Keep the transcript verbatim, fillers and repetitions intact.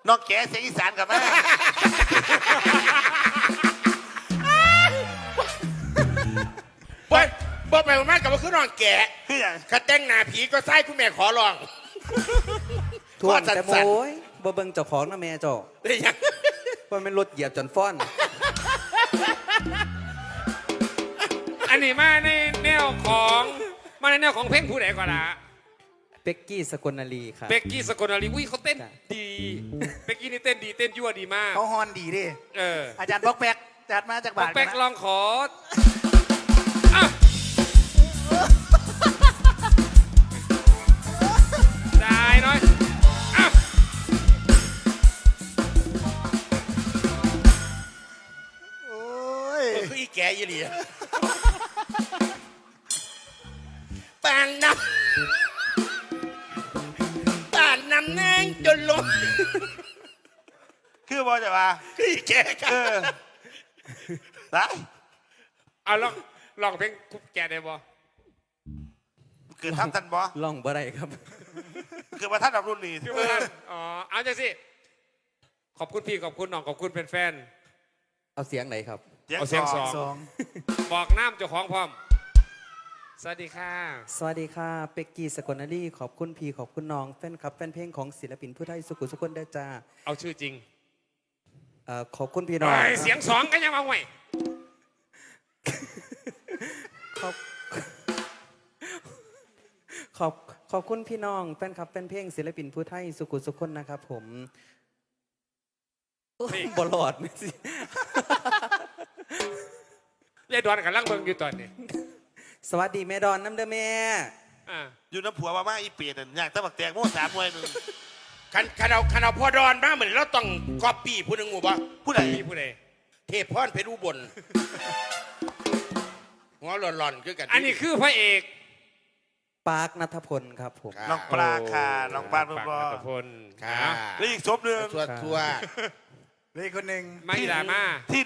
น้องแก่เสียงอีสานกับแม่บ่บ่ไปมากกับว่าคือน้องแก่คืออย่างข้าแต่งหน้าผีก็ไส้คุณแม่ขอลองทวนแต่โมยบ่เบิ่งเจ้าของนะแม่เจ้าได้ยังว่ามันรถเหยียบจนฟ้อนอันนี้มาในแนวของมาในแนวของเพลงผู้ใดก่อนละเป็กกี้สกลนารีครับเบกกี้สกลนารีอุ้ยเขาเต้นจ้ะดีเบกกี้นี่เต้นดีเต้นยั่วดีมากเขาฮอนดีดิเอออาจารย์บอกแบกจัดมาจากป๊บาอกทแป๊กนะลองขออ่ะได้น้อยอ่ะโอ้ยเออคืออีแก่ยี่หลีปานน้ำปานน้ำแนงจนลงคือบอจะมาคืออีแก่กัเอน อนะเอาลองลองเพลงคุกแกได้บ่เกิดทำทันบอล่องบ่ได้ครับเกิดมาท่านดับรุ่นนี้คือว่าท่านอ๋อเอาจังสิขอบคุณพี่ขอบคุณน้องขอบคุณแฟนเอาเสียงไหนครับเอาเสียงสองสองๆบอกน้ำเจ้าของพร้อมสวัสดีค่ะสวัสดีค่ะเป็กกี้สกลนารีขอบคุณพี่ขอบคุณน้องแฟนคลับแฟนเพลงของศิลปินผู้ไทยสุขุสุคนได้จ้าเอาชื่อจริงเอ่อขอบคุณพี่น้องเอ้ยเสียงสองกันยังมาห่วยขอบขอบขอบคุณพี่น้องแฟนคลับแฟนเพลงศิลปินผู้ไทยสุขุสุคนนะครับผมบลอดไม่สิยายดอนกับลังเบิงอยู่ตอนนี้สวัสดีแม่ดอนน้ำเด้อแม่อ่าอยู่น้ำผัวมาม่าอีเปียดอยากตะบักแตงโม่สามมวยหนึ่งคันคันเอาคันเอาพ่อดอนมาเหมือนเราต้องก๊อปปี้ผู้หนึ่งหมู่บ้าผู้ใดพี่ผู้ใดเทพพรเพชรอุบลหัวหล่อนๆคือกันอันนี้คือพระเอกปาร์คนัทพลครับผมน้องปลาค่ะน้องปลาเพิ่มบอปากนัทพลค่ะนะแล้วอีกศพหนึ่งตัวตัวเลยคนหนึ่งไม่ดราม่าที่